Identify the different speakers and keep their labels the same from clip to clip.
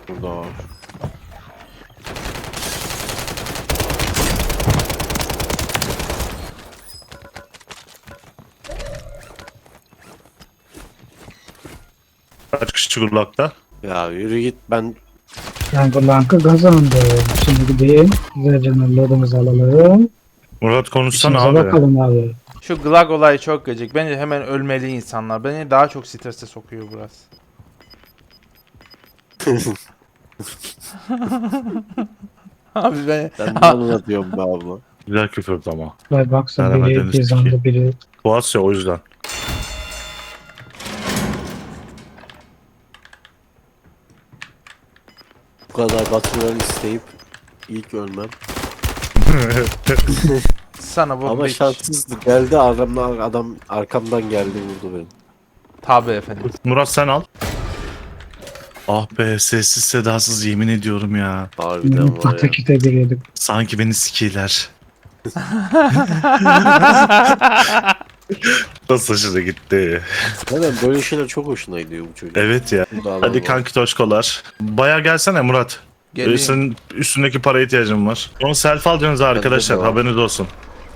Speaker 1: Burada var.
Speaker 2: Kaç kişi Gulak'ta?
Speaker 1: Ya yürü git, ben
Speaker 3: Ben bu lankı kazandım. Şimdi gideyim. Güzelce lootumuzu alalım.
Speaker 2: Murat konuşsana
Speaker 3: İşimize
Speaker 2: abi.
Speaker 3: bakalım abi.
Speaker 4: Şu Glag olayı çok gıcık. Bence hemen ölmeli insanlar. Beni daha çok strese sokuyor burası. Abi ben...
Speaker 1: ben de onu diyorum be abla.
Speaker 2: Güzel küfürdü ama.
Speaker 3: Vay baksana
Speaker 2: Merhaba
Speaker 3: biri
Speaker 2: Deniz
Speaker 3: Gizem'de biri.
Speaker 2: Boğaz ya o yüzden.
Speaker 1: Bu kadar batırları isteyip ilk ölmem.
Speaker 4: Sana bu
Speaker 1: Ama
Speaker 4: bir...
Speaker 1: şanssızdı. Geldi arkamdan, adam arkamdan geldi vurdu beni.
Speaker 4: Tabii efendim.
Speaker 2: Murat sen al. Ah be sessiz sedasız yemin ediyorum ya.
Speaker 1: Harbiden var ya.
Speaker 3: Patakite giriyorduk.
Speaker 2: Sanki beni sikiler. Nasıl hoşuna gitti.
Speaker 1: Neden böyle şeyler çok hoşuna gidiyor bu çocuk.
Speaker 2: Evet ya.
Speaker 1: Burada adam
Speaker 2: Hadi
Speaker 1: var.
Speaker 2: kanki toşkolar. Baya gelsene Murat.
Speaker 4: Geleyim.
Speaker 2: Senin üstündeki para ihtiyacım var. Onu selfie alacaksınız arkadaşlar
Speaker 1: de var.
Speaker 2: haberiniz olsun.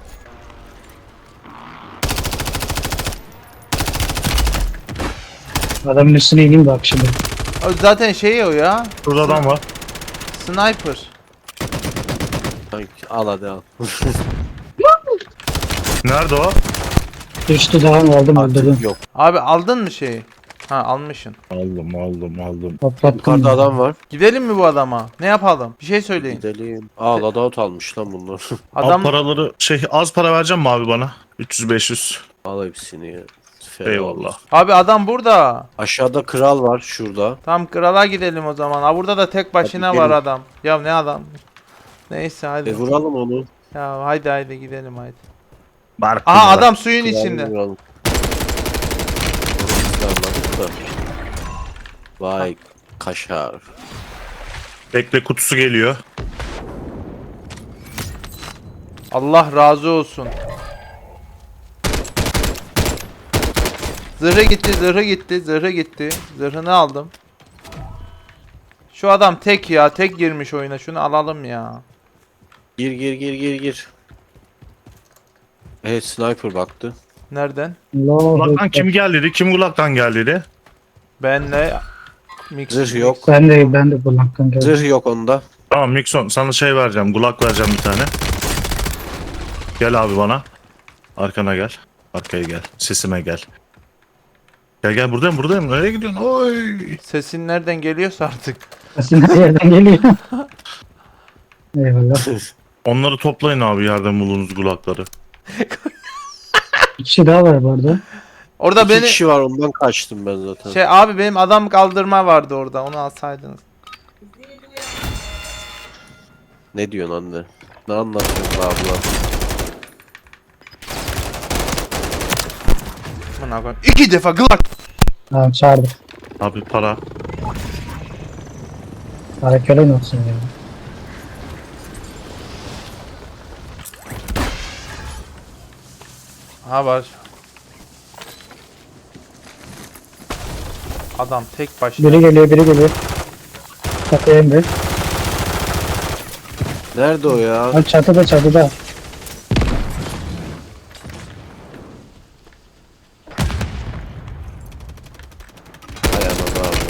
Speaker 3: Adamın üstüne ineyim bak şimdi.
Speaker 4: O zaten şey o ya.
Speaker 2: Burada adam var.
Speaker 4: Sniper.
Speaker 1: Kanki, al hadi al.
Speaker 2: Nerede o?
Speaker 3: Düştü daha aldım öldürdüm.
Speaker 1: Artık yok.
Speaker 4: Abi aldın mı şeyi? Ha almışsın.
Speaker 2: Aldım.
Speaker 3: Patlattım.
Speaker 1: Yukarıda adam var.
Speaker 4: Gidelim mi bu adama? Ne yapalım? Bir şey söyleyin.
Speaker 1: Gidelim. Aa loadout almış lan bunlar.
Speaker 4: Adam
Speaker 2: Al paraları az para vereceğim mi abi bana? 300-500.
Speaker 1: Al hepsini ya. Fena
Speaker 2: Eyvallah.
Speaker 1: olmaz.
Speaker 4: Abi adam burada.
Speaker 1: Aşağıda kral var şurada.
Speaker 4: Tam krala gidelim o zaman. Ha burada da tek başına
Speaker 1: Hadi
Speaker 4: var
Speaker 1: gelin.
Speaker 4: adam. Ya ne adam? Neyse hadi.
Speaker 1: Vuralım onu.
Speaker 4: Ya haydi gidelim haydi.
Speaker 2: Bark
Speaker 4: Aha
Speaker 2: bunlar.
Speaker 4: adam suyun
Speaker 1: Kralı
Speaker 4: içinde.
Speaker 1: vuralım. Biz de anladık da. Vay kaşar.
Speaker 2: Bekle kutusu geliyor.
Speaker 4: Allah razı olsun. Zırhı gitti. Zırhını aldım. Şu adam tek ya, tek girmiş oyuna. Şunu alalım ya.
Speaker 1: Gir. Evet sniper baktı.
Speaker 4: Nereden?
Speaker 3: Allahu
Speaker 2: Gulak'tan
Speaker 3: Ekber.
Speaker 2: kim geldi? Kim Gulak'tan geldi?
Speaker 4: Benle mix.
Speaker 1: Zırh yok.
Speaker 3: Ben de bu lankın geldim.
Speaker 1: Zırh yok onda.
Speaker 2: Tamam Mikson sana şey vereceğim. Gulak vereceğim bir tane. Gel abi bana. Arkana gel. Arkaya gel. Sesime gel. Gel buradayım. Nereye gidiyorsun? Oy.
Speaker 4: Sesin nereden geliyorsa artık.
Speaker 3: Aslında yerden geliyor. Eyvallah.
Speaker 2: Onları toplayın abi yerden bulduğunuz Gulakları.
Speaker 3: Bir kişi daha var bu arada.
Speaker 4: Orada
Speaker 1: İki
Speaker 4: beni
Speaker 1: kişi var, ondan kaçtım ben zaten.
Speaker 4: şey abi benim adam kaldırma vardı orada. Onu alsaydınız.
Speaker 1: Ne diyorsun anne? Ne anlatıyorsun abla?
Speaker 4: Buna koyayım. 2 defa glak.
Speaker 3: Tamam çağırdık.
Speaker 2: Abi para.
Speaker 3: Harekelen olsun ya.
Speaker 4: Ha var. Adam tek başına.
Speaker 3: Biri geliyor. Çatıya indi.
Speaker 1: Nerede o ya?
Speaker 3: Ha çatıda.
Speaker 1: Hay anam abi.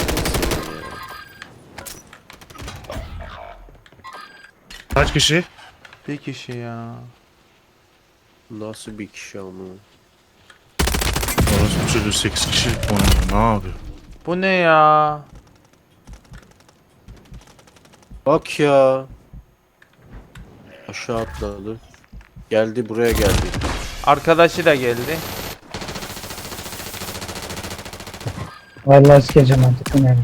Speaker 2: Kaç kişi?
Speaker 4: Bir kişi ya.
Speaker 1: Nasıl bir kişi ama?
Speaker 2: Orası çocuğu 8 kişi. O ne yapıyor?
Speaker 4: Bu ne ya?
Speaker 1: Bak ya. Aşağı atladı. Geldi, buraya geldi.
Speaker 4: Arkadaşı da geldi.
Speaker 3: Vallahi sikeceğim artık bu ne?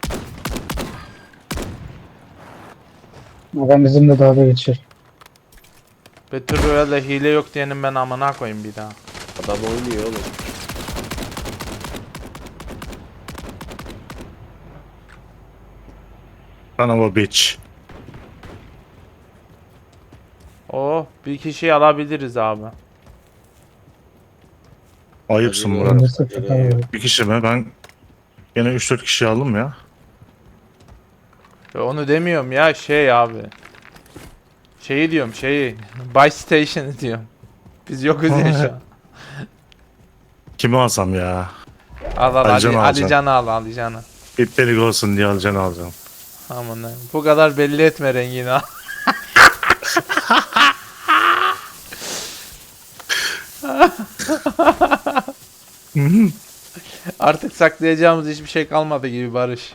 Speaker 3: Adam bizimle dalga geçiyor.
Speaker 4: Battle Royale'de hile yok diyenin ben amına koyayım bir daha.
Speaker 1: Adam oynuyor oğlum.
Speaker 2: Sana bu bitch.
Speaker 4: Oh bir kişiyi alabiliriz abi.
Speaker 2: Ayıpsın
Speaker 1: Hadi
Speaker 2: Murat.
Speaker 1: be.
Speaker 3: Ben de sıfır.
Speaker 2: Bir kişi mi? Ben yine 3-4 kişi aldım ya.
Speaker 4: Onu demiyorum ya şey abi. Şeyi diyorum şeyi. Buy Station'ı diyorum. Biz yokuz ya şu an.
Speaker 2: Kimi alsam ya?
Speaker 4: Al al
Speaker 2: Alican'ı
Speaker 4: Ali,
Speaker 2: alacağım.
Speaker 4: Alican'ı al Alican'ı.
Speaker 2: İptelik olsun diye alacağını alacağım.
Speaker 4: Aman ha. Bu kadar belli etme rengini al. Artık saklayacağımız hiçbir şey kalmadı gibi Barış.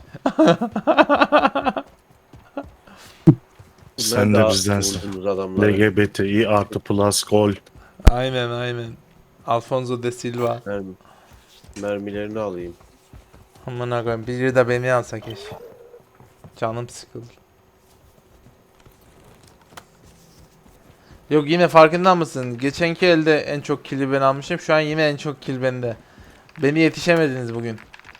Speaker 2: Sen de bizdensin.
Speaker 1: Vurdunuz adamları.
Speaker 2: LGBTİ artı plus gol.
Speaker 4: Aynen. Alfonso de Silva.
Speaker 1: Mermilerini alayım.
Speaker 4: Aman koyayım biri de beni alsa keşke. Canım sıkıldı. Yok yine farkında mısın? Geçenki elde en çok kill'i ben almışım. Şu an yine en çok kill bende. Beni yetişemediniz bugün.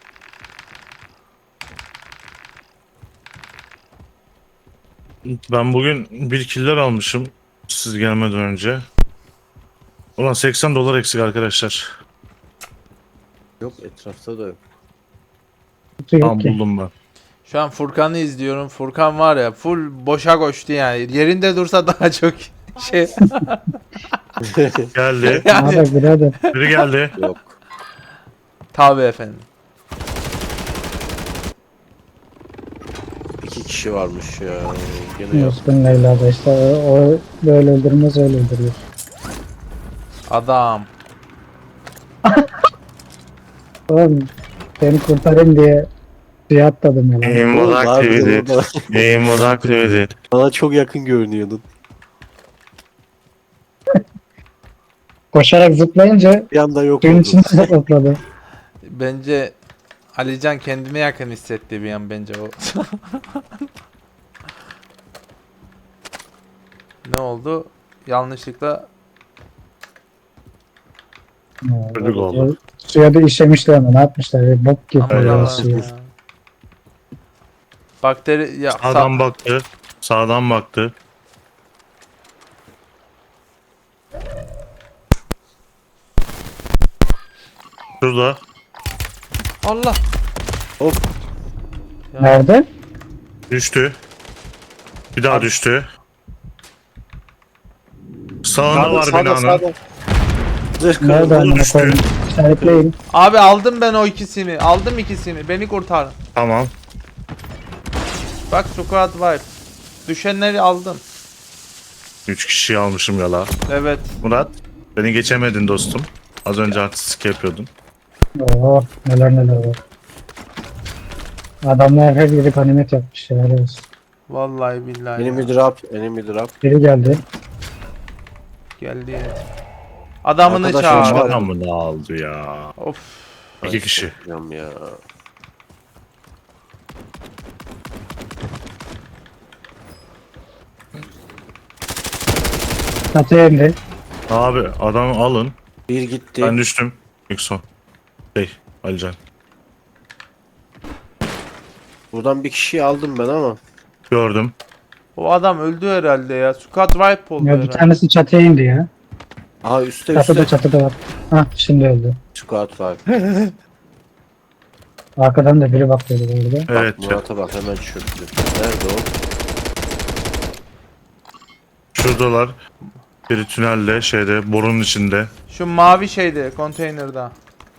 Speaker 2: Ben bugün bir killer almışım. Siz gelmeden önce. Ulan $80 eksik arkadaşlar.
Speaker 1: Yok etrafta da yok.
Speaker 3: Kutu yok
Speaker 2: Tamam
Speaker 3: ki.
Speaker 2: buldum ben.
Speaker 4: Şu an Furkan'ı izliyorum. Furkan var ya full boşa koştu yani. Yerinde dursa daha çok şey.
Speaker 2: Geldi.
Speaker 3: Ne haber birader?
Speaker 2: Biri geldi.
Speaker 1: Yok.
Speaker 4: Tabii efendim.
Speaker 1: 2 kişi varmış ya. Gene yok.
Speaker 3: Muskun Leyla da işte o böyle öldürmez öyle öldürüyor.
Speaker 4: Adam.
Speaker 3: Oğlum seni kurtarayım diye suya atladım ya lan.
Speaker 2: Aim
Speaker 1: Oğlum,
Speaker 2: was
Speaker 1: harbiden
Speaker 2: activated.
Speaker 1: orada.
Speaker 2: Aim was activated.
Speaker 1: Bana çok yakın görünüyordun.
Speaker 3: Koşarak zıplayınca
Speaker 1: Bir anda yok
Speaker 3: suyun
Speaker 1: oldun.
Speaker 3: içine topladı.
Speaker 4: Bence Alican kendine yakın hissetti bir an bence o. Ne oldu? Yanlışlıkla
Speaker 2: Çocuk oldu.
Speaker 3: Suya da işemişler ama ne yapmışlar? Bok gibi
Speaker 4: aman
Speaker 3: ya
Speaker 4: Allah'ım
Speaker 3: suyu.
Speaker 4: ya. Bakteri ya
Speaker 2: Sağdan baktı. Sağdan baktı. Şurada.
Speaker 4: Allah. Ya.
Speaker 3: Nerede?
Speaker 2: Düştü. Bir daha düştü. Sağında var binanın.
Speaker 1: Zırh
Speaker 3: Nerede
Speaker 1: kırıldı.
Speaker 3: amına
Speaker 2: düştü.
Speaker 3: koyayım? İşaretleyin.
Speaker 4: Abi aldım ben o ikisini. Aldım ikisini. Beni kurtarın.
Speaker 2: Tamam.
Speaker 4: Bak squad wipe. Düşenleri aldım.
Speaker 2: 3 kişiyi almışım yala.
Speaker 4: Evet.
Speaker 2: Murat, beni geçemedin dostum. Az önce artistik yapıyordun.
Speaker 3: Oo neler var. Adamlar her yeri ganimet yapmış ya. helal olsun.
Speaker 4: Vallahi billahi.
Speaker 1: Enemy
Speaker 4: ya.
Speaker 1: drop. Enemy drop.
Speaker 3: Biri geldi.
Speaker 4: Geldi. Adamını
Speaker 1: Arkadaşlar
Speaker 4: çağır.
Speaker 1: var.
Speaker 2: Adamını aldı ya.
Speaker 4: Of.
Speaker 2: 2 kişi.
Speaker 1: Bilmiyorum ya.
Speaker 3: Çatıya indi.
Speaker 2: Abi adamı alın.
Speaker 1: Bir gitti.
Speaker 2: Ben düştüm. İlk son. Alican.
Speaker 1: Buradan bir kişiyi aldım ben ama.
Speaker 2: Gördüm.
Speaker 4: O adam öldü herhalde ya. Squad wipe oldu
Speaker 3: Ya bir
Speaker 4: herhalde.
Speaker 3: tanesi çatıya indi ya.
Speaker 1: Aha üstte
Speaker 3: Çatıda var. Hah şimdi öldü.
Speaker 1: Squad var.
Speaker 3: Arkadan da biri bakıyordu burada.
Speaker 2: Evet.
Speaker 1: Bak Murat'a bak hemen çöktü. Nerede o?
Speaker 2: Şuradalar. Biri tünelde, şeyde, borunun içinde.
Speaker 4: Şu mavi şeyde, konteynerda.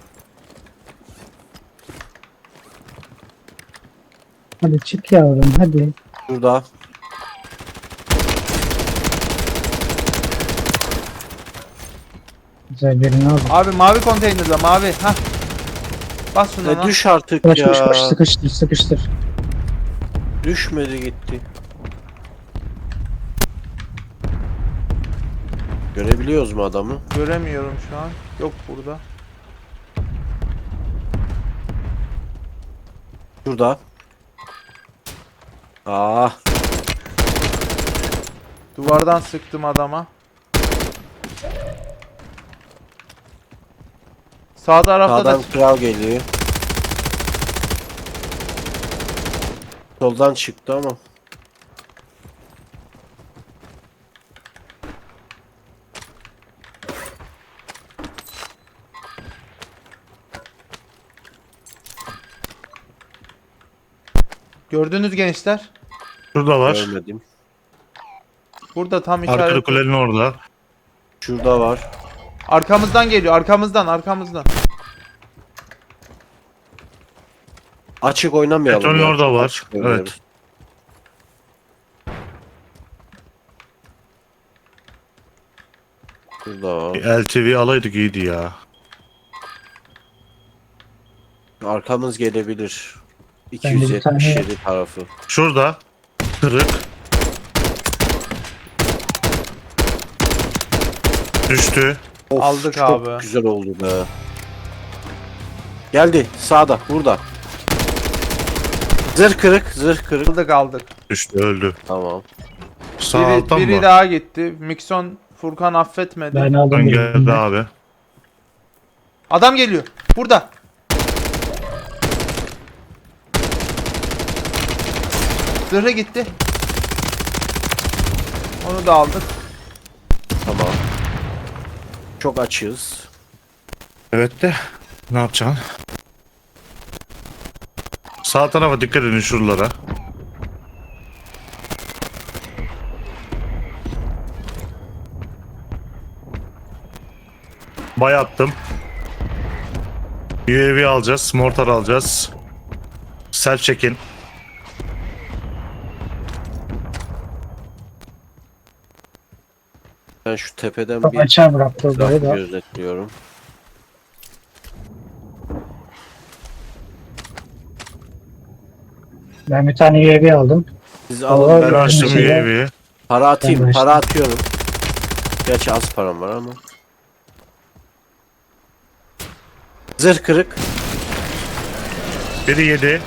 Speaker 3: Hadi çık yavrum hadi.
Speaker 1: Şurada.
Speaker 3: Güzel birini aldım.
Speaker 4: Abi mavi konteynerda, mavi. Hah. Bas şuna lan.
Speaker 1: Düş artık
Speaker 3: Koş
Speaker 1: ya.
Speaker 3: koş koş sıkıştır.
Speaker 1: Düşmedi gitti. Görebiliyoruz mu adamı?
Speaker 4: Göremiyorum şu an. Yok burada.
Speaker 1: Şurada. Ah.
Speaker 4: Duvardan sıktım adama. Sağ tarafta da
Speaker 1: Sağdan kral geliyor. Soldan çıktı ama.
Speaker 4: gördünüz gençler.
Speaker 2: Şurada var.
Speaker 1: Görmedim.
Speaker 4: Burada tam
Speaker 2: Arkada
Speaker 4: işaret.
Speaker 2: kulenin orada.
Speaker 1: Şurada var.
Speaker 4: Arkamızdan geliyor. Arkamızdan.
Speaker 1: Açık oynamayalım.
Speaker 2: Betonun
Speaker 1: ya.
Speaker 2: orada var.
Speaker 1: Açık oynayalım.
Speaker 2: Evet.
Speaker 1: Şurada var.
Speaker 2: LTV alaydık iyiydi ya.
Speaker 1: Arkamız gelebilir.
Speaker 3: bir
Speaker 1: 277 tarafı.
Speaker 2: Şurada. Kırık. Düştü.
Speaker 1: Of,
Speaker 4: Aldık
Speaker 1: çok
Speaker 4: abi.
Speaker 1: güzel oldu be. Geldi sağda burada. Zırh kırık.
Speaker 4: Aldık.
Speaker 2: Düştü öldü.
Speaker 1: Tamam.
Speaker 2: Sağ
Speaker 4: Biri,
Speaker 2: alttan
Speaker 4: biri
Speaker 2: mı?
Speaker 4: daha gitti. Mikson Furkan affetmedi.
Speaker 3: Ben aldım.
Speaker 2: Ön
Speaker 3: birini.
Speaker 2: geldi abi.
Speaker 4: Adam geliyor. Burada. Zırhı gitti. Onu da aldık.
Speaker 1: Tamam. Çok açığız.
Speaker 2: Evet de ne yapacaksın? Sağ tarafa dikkat edin şuralara. Bay attım. UAV alacağız. Mortar alacağız. Self check-in.
Speaker 1: Ben şu tepeden
Speaker 3: Çok
Speaker 1: bir
Speaker 3: açığa bıraktı orayı
Speaker 1: etrafı
Speaker 3: da.
Speaker 1: gözetliyorum.
Speaker 3: Ben bir tane UAV aldım.
Speaker 1: Siz
Speaker 3: Allah
Speaker 1: alın
Speaker 2: Ben
Speaker 1: ben
Speaker 3: Allah.
Speaker 2: açtım
Speaker 3: şeyler-
Speaker 2: UAV'yi.
Speaker 1: para atayım.
Speaker 3: Ben
Speaker 1: Para atıyorum. Gerçi az param var ama. Zırh kırık.
Speaker 2: Biri yedi.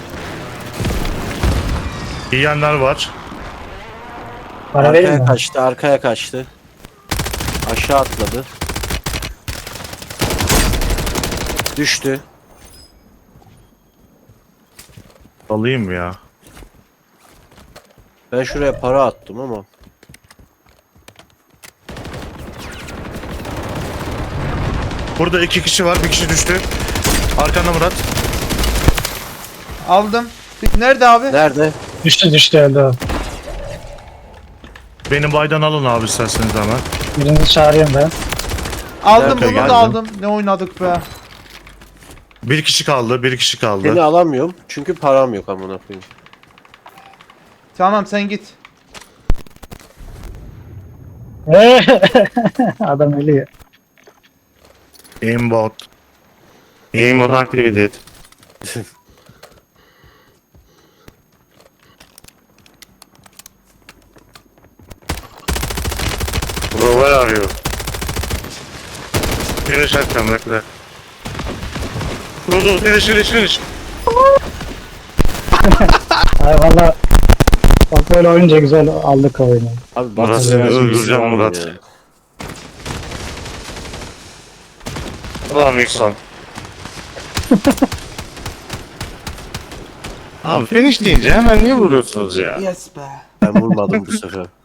Speaker 2: Yiyenler var.
Speaker 3: Para verin
Speaker 1: Arkaya
Speaker 3: mi?
Speaker 1: kaçtı. Arkaya kaçtı. Aşağı atladı. Düştü.
Speaker 2: Alayım ya.
Speaker 1: Ben şuraya para attım ama.
Speaker 2: Burada iki kişi var. Bir kişi düştü. Arkanda Murat.
Speaker 4: Aldım. Nerede abi?
Speaker 1: Nerede?
Speaker 3: Düştü öldü o.
Speaker 2: Beni baydan alın abi isterseniz hemen.
Speaker 3: Birini çağırıyorum ben.
Speaker 4: Aldım
Speaker 1: Nerede
Speaker 4: bunu
Speaker 2: geldin?
Speaker 4: da aldım. Ne oynadık be.
Speaker 2: Bir kişi kaldı. Bir kişi kaldı.
Speaker 1: Seni alamıyorum. Çünkü param yok amına koyayım.
Speaker 4: Tamam sen git.
Speaker 3: Adam ölüyor.
Speaker 2: Aimbot. Aimbot activated. Bro, where are you? Finish atacağım bekle. Dur finish.
Speaker 3: Ay valla. Bak böyle oyunca güzel aldık oyunu.
Speaker 1: Abi
Speaker 2: Murat, seni öldüreceğim Murat. Ulan Mikson. Abi finish deyince hemen niye vuruyorsunuz ya?
Speaker 4: Yes be.
Speaker 1: Ben vurmadım bu sefer.